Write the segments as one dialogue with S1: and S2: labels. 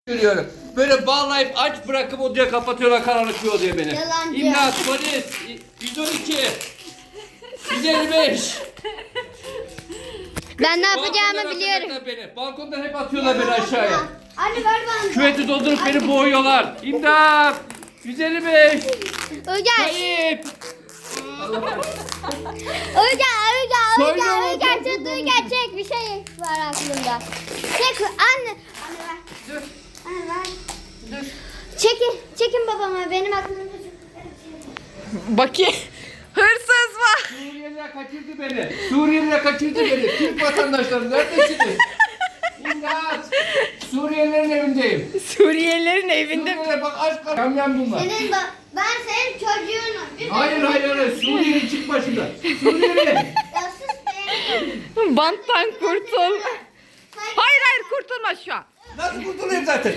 S1: görüyorum. Böyle bağlayıp aç bırakıp odaya kapatıyorlar, karanlık bir odaya beni.
S2: Yalancı.
S1: İmdat, polis, 112, 155.
S2: Ben ne
S1: Balkondan
S2: yapacağımı biliyorum.
S1: atacaklar beni. Balkondan hep atıyorlar beni aşağıya.
S2: Anne ver bana.
S1: Küveti doldurup beni boğuyorlar. İmdat, 155.
S2: Uygar.
S1: Kayıp.
S2: Uygar tut Uygar çek bir şey var aklımda. Çek anne. Anne ver.
S1: Dur,
S2: Anne ver.
S1: dur.
S2: Çekin babama benim aklımda çok.
S3: Bakayım. Hırsız var.
S1: Suriyeliler kaçırdı beni. Suriyeliler kaçırdı beni. Türk vatandaşları neredesiniz? İmdat. Suriyelilerin evindeyim.
S3: Suriyelilerin evinde.
S1: Suriyeliler bak aç kal. Yamyam bunlar.
S2: Ben senin çocuğunum.
S1: Hayır. Suriyeli çık başımdan. Suriyeli.
S2: Ya sus be.
S3: Banttan kurtul. Hayır kurtulma şu an.
S1: Nasıl kurtulayım zaten?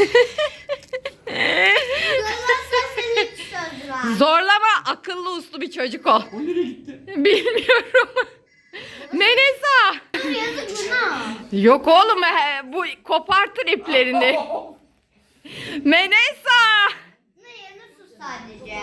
S2: Zorlarsan seni hiç söz ver.
S3: Zorlama, akıllı uslu bir çocuk ol.
S1: O nereye gitti?
S3: Bilmiyorum. Menesa.
S2: Yazık buna.
S3: Yok oğlum, bu kopartır iplerini. Menesa.
S2: Ne yanı sus sadece.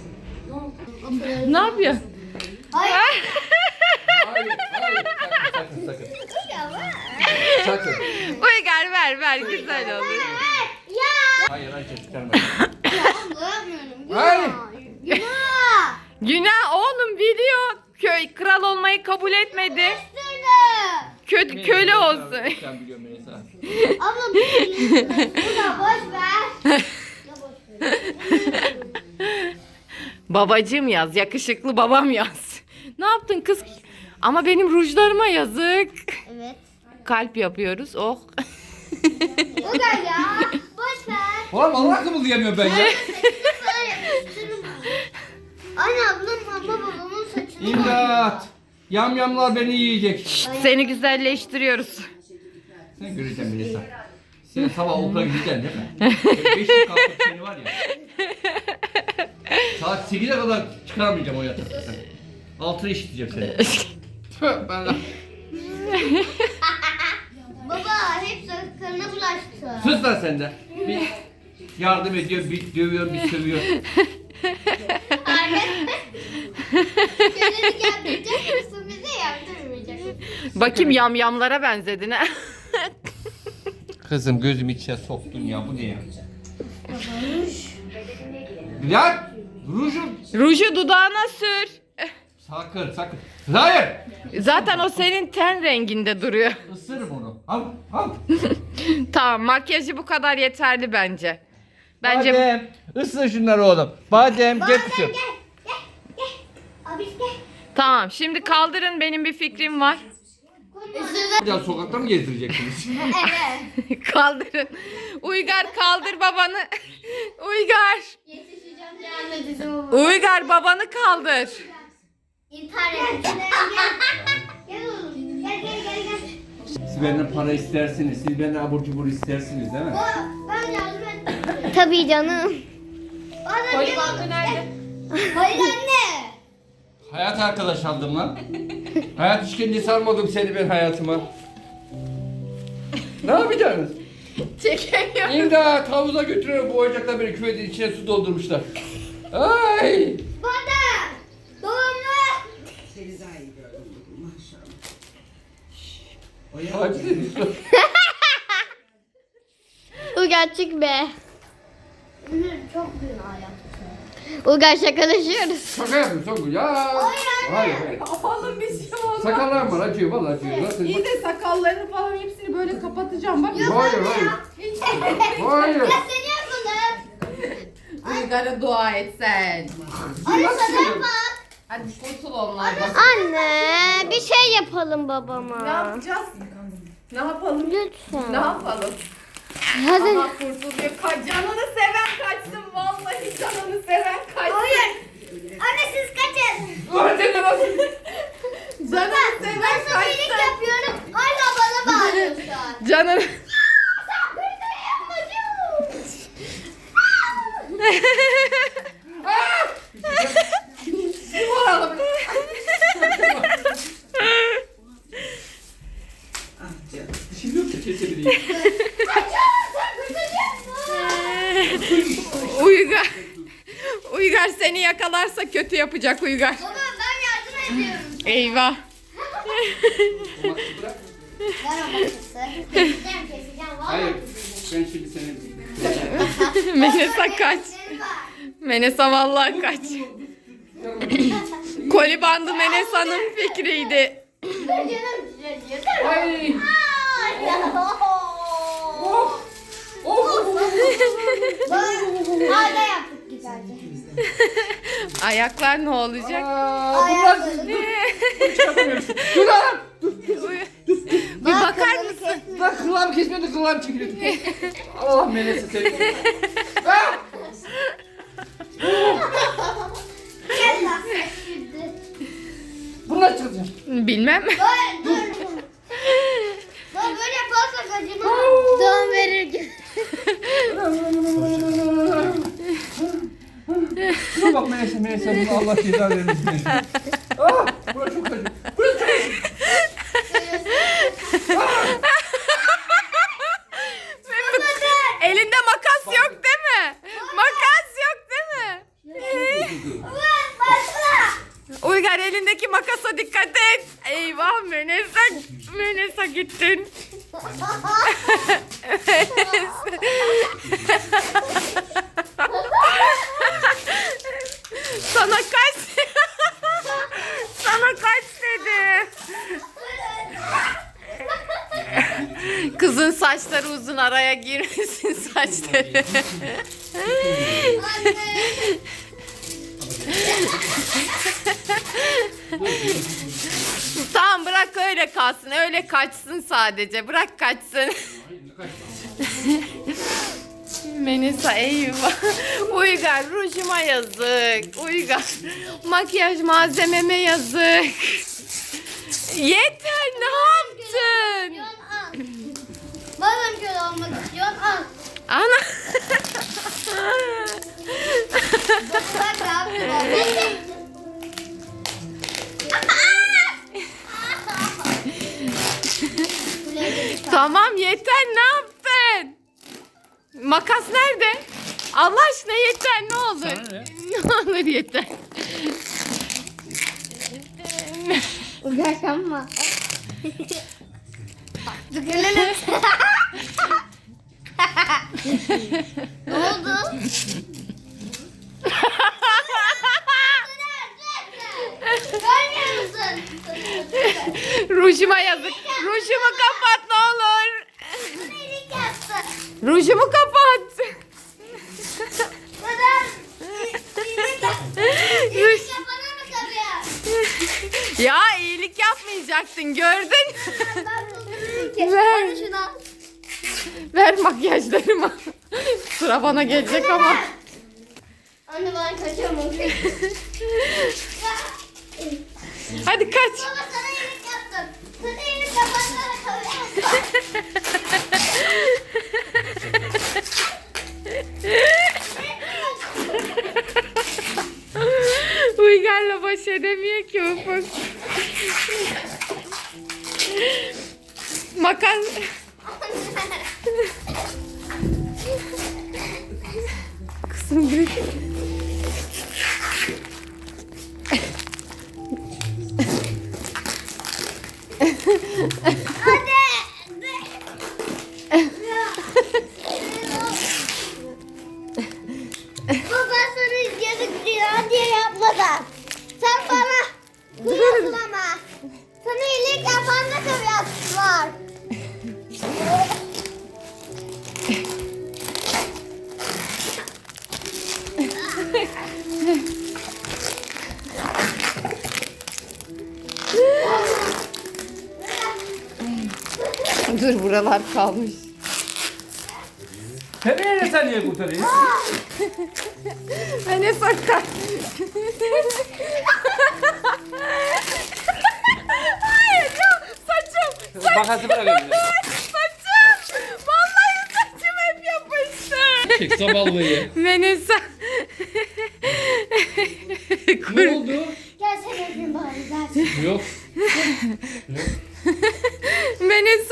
S3: Ne yapıyor?
S2: Hayır.
S1: Hayır. Sakın.
S2: Ya ver.
S1: Sakın.
S3: Uygar ver güzel olur.
S2: Ya.
S1: Hayır çıkarma.
S2: Ya anlayamıyorum.
S1: Hayır.
S2: Günah.
S3: Günah oğlum, biliyor. Köy kral olmayı kabul etmedi.
S2: Üstüne.
S3: Köle olsun.
S1: Sen biliyorum Melisa.
S2: Abla bu da boş ver. Ya boş ver.
S3: Babacığım yaz, yakışıklı babam yaz. Ne yaptın kız? Ama benim rujlarıma yazık.
S2: Evet.
S3: Kalp yapıyoruz. Oh.
S2: Bu da ya. Boş ver.
S1: Oğlum Allah kımıldayamıyorum ben ya.
S2: Saçını sana yapıştırırım. Anne ablam babamın saçını.
S1: İmdat. Yamyamlar beni yiyecek.
S3: Seni güzelleştiriyoruz.
S1: Sen göreceksin Melisa. Sen sabah okula gideceksin değil mi? 5'te kalkıp seni var ya. Saat 8'e kadar çıkaramayacağım o yatakta. 6'da işiteceğim seni. Ben
S2: Baba hep sakalına bulaştı.
S1: sus lan sen de. Bir yardım ediyor, bir dövüyor, bir sövüyor.
S2: Anne. Kendini yaptıracak mısın bize yaptırmayacak mısın?
S3: Bakayım yamyamlara benzedin ha.
S1: Kızım gözümü içine soktun ya, bu ne ya? Ya rujum.
S3: Ruju dudağına sür.
S1: Sakın. Hayır.
S3: Zaten o senin ten renginde duruyor.
S1: Isırırım onu. Al.
S3: Tamam, makyajı bu kadar yeterli bence. Bence
S1: Badem. Isır şunları oğlum. Badem gel kızım.
S2: Gel. Abi gel.
S3: tamam. Şimdi kaldırın, benim bir fikrim var.
S1: Bir daha sokakta mı gezdireceksiniz?
S2: Evet.
S3: Kaldırın. Uygar kaldır babanı. Uygar.
S2: Yetişeceğim cehennem dizimi.
S3: Uygar babanı kaldır.
S2: İntihar edeceğim. Gel oğlum. Gel.
S1: Siz benden para istersiniz. Siz benden abur cubur istersiniz değil mi?
S2: Ben yardım ettim. Tabii canım.
S3: Koyu bandı nerede?
S2: Hayır anne.
S1: Hayat arkadaş aldım lan. Hayat işkencesi almadım seni ben hayatıma. Ne yapacaksınız?
S3: Çekemiyorum.
S1: İmdat, havuza götürüyor, boğacaklar beni, küvetin içine su doldurmuşlar. Ay!
S2: Bana. Doğumlu.
S1: Hadi.
S2: Bu gerçek be. Çok günah yaptı. Uygar şakalaşıyoruz.
S1: Şaka yapıyorum Songül ya. Hayır.
S3: Oğlum bir şey olmaz.
S1: Sakallarım var, acıyor vallahi acıyor. Nasıl?
S3: İyi de sakallarını falan hepsini böyle kapatacağım bak.
S1: Hayır. Hayır.
S2: Ya seni yapalım.
S3: Uygar'a dua et sen.
S2: Anne sana bak.
S3: Hadi kurtul onlardan.
S2: Anne bir şey yapalım babama.
S3: Ne yapacağız? Ne yapalım?
S2: Lütfen.
S3: Ne yapalım?
S2: Hadi.
S3: Aha kurtuluyor. Canını seven kaçsın. Vallahi canını seven kaçsın.
S2: Hayır. Anne siz kaçın.
S1: Hadi nasıl?
S3: Canını seven
S2: Ben sana iyilik
S3: kaçsın.
S2: yapıyorum. Hala bana bağırıyorsun.
S3: Canını...
S2: Sen böyle yapmadın.
S1: Vuralım. Şimdi yok da kesebileyim.
S2: Kaçın. Sen
S3: Seni yakalarsa kötü yapacak Uygar.
S2: Baba ben yardım ediyorum.
S3: Eyvah.
S1: Bak, bırak.
S2: Ver o makası. Keseceğim.
S1: Hayır.
S2: Vallahi.
S1: Ben şimdi seni...
S3: Menesa kaç.
S2: Benim var.
S3: Menesa vallahi kaç. Koli bandı Menesa'nın fikriydi.
S2: Dur canım acıyor.
S1: Ay.
S2: Ay ya.
S1: Of. Of.
S2: Hala yaptık güzelce.
S3: Ayaklar ne olacak?
S1: Bunlar çıkartamıyorsun. Dur lan.
S3: Bir bakar mısın?
S1: Bak kulağımı kesmedi, kulağım çekiliyor. Allah melesi seni. Ah!
S2: Gel lan. Şimdi.
S1: Bunu nasıl çıkaracağım?
S3: Bilmem.
S2: Dur. Dur böyle yaparsak acımaz. Doğum verir gibi.
S1: Şuna bak melese bunu Allah ceza vermesin. Ah! Burası çok acı. Burası çok acı.
S3: Elinde makas yok değil mi? Makas yok değil mi?
S2: Başla.
S3: Uygar elindeki makasa dikkat et. Eyvah Menesa gittin. Sana kaç. Sana kaç dedi. Kızın saçları uzun, araya girmesin saçları. Tamam bırak öyle kalsın. Öyle kaçsın sadece. Bırak kaçsın. Menesa eyvah. Uygar rujuma yazık. Uygar makyaj malzememe yazık. Yeter ne yaptın?
S2: Yon al. Babam şöyle olmak istiyor. Al.
S3: Ana.
S2: Bak ne yaptım.
S3: Tamam yeter ne yaptın? Makas nerede? Allah aşkına yeter ne olur.
S1: Sana ne?
S3: Ne olur yeter.
S2: Uğraşamma. Tıkırlanın. Ne oldu? Görmüyor musun?
S3: Rujuma yazık. Rujumu kapat ne olur.
S2: Bana iyilik yaptı.
S3: Rujumu kapat.
S2: Bana iyilik yaptı. İyilik yapana mı kalıyor?
S3: Ya iyilik yapmayacaktın gördün.
S2: Ben tuttururum ki.
S3: Ver.
S2: Hadi şunu al.
S3: Ver makyajlarımı. Sıra bana gelecek ama.
S2: Anne ben kaçamam.
S3: Hadi kaç.
S2: Baba sana iyilik yaptım. Sana iyilik yapanlara kalıyor.
S3: Uygar'la baş edemiyor ki ufak. Makas. Kızım bir.
S2: Hadi. Baba sana yazık günah diye yapmadan. Sen bana kıyasın ama. Sana iyilik yapan da tabii var.
S3: Dur buralar kalmış.
S1: Sen sen niye kurtarıyorsun?
S3: Ne sakar. Hayır ya saçım.
S1: Makası bırakayım.
S3: Saçım. Vallahi saçım hep yapıştı.
S1: Çek saballıyı.
S3: Menesa.
S1: Ne oldu?
S2: Gel sen öpeyim bari zaten.
S1: Yok.
S3: Menesa.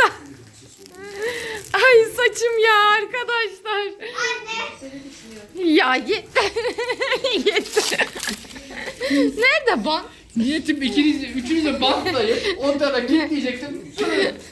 S3: Ay saçım ya arkadaşlar.
S2: Anne.
S3: Ya yeter. Yeter. Nerede bant?
S1: Niyetim üçünüzü bantlayıp onlara kilitleyecektim. Sonra...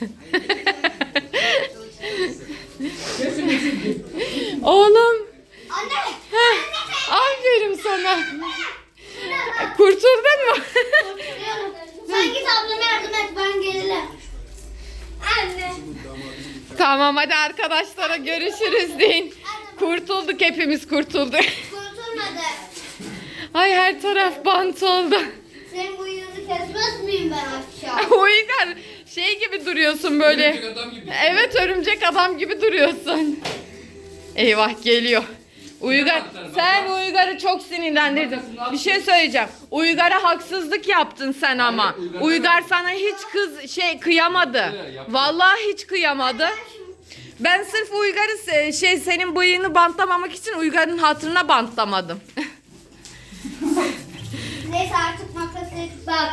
S1: Kesin.
S3: Oğlum.
S2: Anne.
S3: Heh, aferin sana. Kurtuldun mu?
S2: Sen git ablama yardım et, ben gelirim. Anne.
S3: Tamam hadi arkadaşlara görüşürüz deyin. Kurtulduk, hepimiz kurtulduk.
S2: Kurtulmadı.
S3: Ay her taraf bant oldu.
S2: Senin bu yılı kesmez miyim ben aşağı?
S3: Uygar şey gibi duruyorsun böyle.
S1: Örümcek adam gibi.
S3: Evet, örümcek adam gibi duruyorsun. Eyvah geliyor. Uygar, sen Uygar'ı çok sinirlendirdin. Bir şey söyleyeceğim. Uygar'a haksızlık yaptın sen ama. Uygar sana hiç kıyamadı. Vallahi hiç kıyamadı. Ben sırf Uygar'ı senin bıyığını bantlamamak için Uygar'ın hatırına bantlamadım.
S2: Neyse artık makası bak.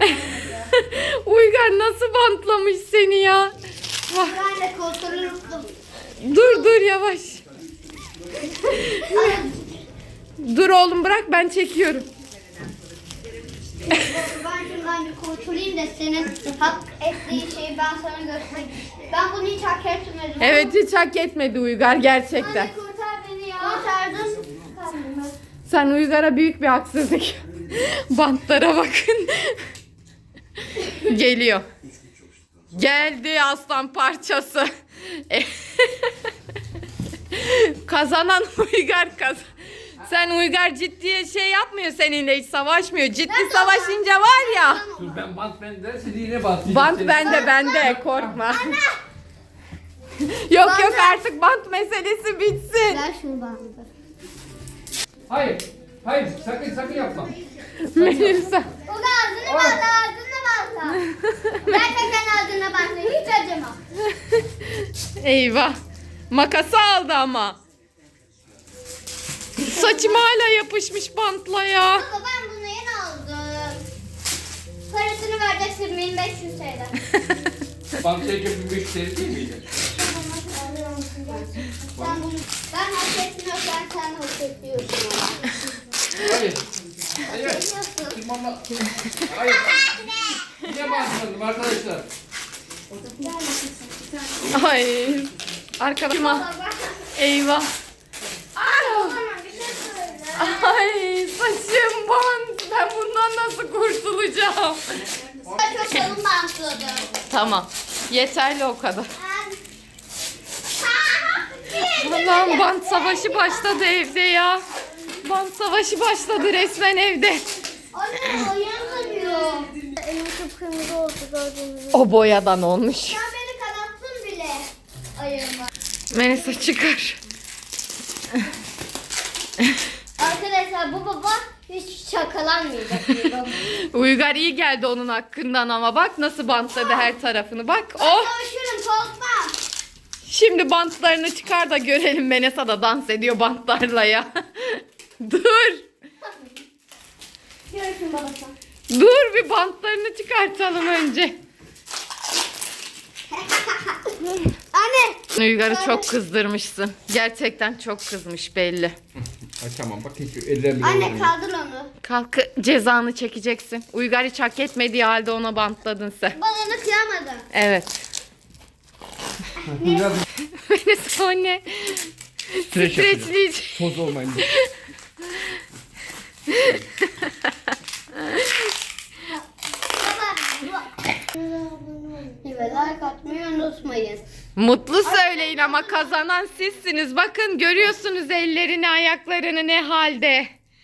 S3: Uygar nasıl bantlamış seni ya?
S2: Ben de kurtulurum.
S3: Dur yavaş. Dur oğlum, bırak ben çekiyorum.
S2: Ben şundan bir kurtulayım da senin hak ettiğin şeyi ben sana göstereyim. Ben bunu hiç hak etmedim.
S3: Evet, hiç hak etmedi Uygar gerçekten.
S2: Anne kurtar beni ya. Kurtardın.
S3: Sen Uygar'a büyük bir haksızlık. Bantlara bakın. Geliyor. Geldi aslan parçası. Kazanan Uygar Sen Uygar ciddiye şey yapmıyor seninle, hiç savaşmıyor. Ciddi savaşınca var ya.
S1: Dur ben bant bende, seni yine bantlayacağım.
S3: Bant bende korkma. Yok artık bant meselesi bitsin.
S2: Ver şunu bana.
S1: Hayır sakın yapma.
S3: Melisa.
S2: O da ağzını bağla. Gerçekten ağzına bağla. Hiç acıma.
S3: Eyvah. Makası aldı ama. Saçım hala yapışmış bantla ya.
S2: Baba ben bunu yeni aldım. Parasını vereceksin 1500 TL.
S1: Bant çekip 1500 TL değil miydi?
S2: Ben hak etmiyorsam sen hak ediyorsun.
S1: Hayır.
S2: Nasıl?
S1: Tırmanma. Hayır. Yine bantladım arkadaşlar.
S3: Ay. Arkadaşım.
S2: Baba
S3: Eyvah.
S2: bana bir şey söyle.
S3: Ay saçım bant. Ben bundan nasıl kurtulacağım?
S2: Ben çok kalın bantladım.
S3: Tamam. Yeterli o kadar. Allah'ım, bant savaşı başladı evde ya. Bant savaşı başladı resmen evde.
S2: Anne oyanamıyor. Elim kıpkırmızı oldu gördüğünüz gibi.
S3: O boyadan olmuş.
S2: Sen beni kanattın bile. Ayağıma.
S3: Melisa çıkar.
S2: Arkadaşlar bu baba hiç şakalanmayacak bir baba.
S3: Uygar iyi geldi onun hakkından ama bak nasıl bantladı her tarafını, bak.
S2: Ben
S3: Oh.
S2: savaşırım korkma.
S3: Şimdi bantlarını çıkar da görelim. Melisa da dans ediyor bantlarla ya. Dur.
S2: Görüşün babası.
S3: Dur, bir bantlarını çıkartalım önce.
S2: Anne.
S3: Uygar'ı çok kızdırmışsın. Gerçekten çok kızmış belli.
S1: Ay tamam bak hiç ellerim.
S2: Anne kaldır onu.
S3: Kalk, cezanı çekeceksin. Uygar hiç hak etmediği halde ona bantladın sen.
S2: Ben onu kıyamadım.
S3: Evet.
S1: Biraz
S3: Melisa o ne?
S1: Streç yapacağım.
S3: Streçleyici.
S1: toz olmayın.
S2: Evet, like atmayı unutmayın.
S3: Mutlu söyleyin ama kazanan sizsiniz. Bakın görüyorsunuz ellerini ayaklarını ne halde.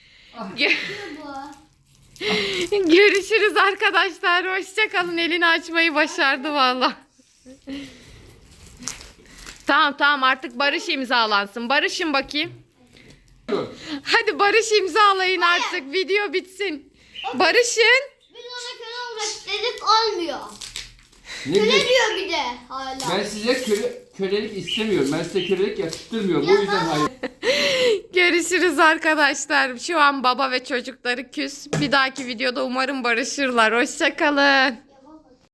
S3: Görüşürüz arkadaşlar. Hoşçakalın. Elini açmayı başardı valla. Tamam artık barış imzalansın. Barışın bakayım. Hadi barış imzalayın artık. Video bitsin. Barışın.
S2: Biz ona köle olmak istedik olmuyor.
S1: Ne
S2: Köle
S1: diyorsun?
S2: diyor bir de hala.
S1: Ben size kölelik istemiyorum. Ben size kölelik yakıştırmıyorum. O yüzden hayır.
S3: Görüşürüz arkadaşlar. Şu an baba ve çocukları küs. Bir dahaki videoda umarım barışırlar. Hoşçakalın.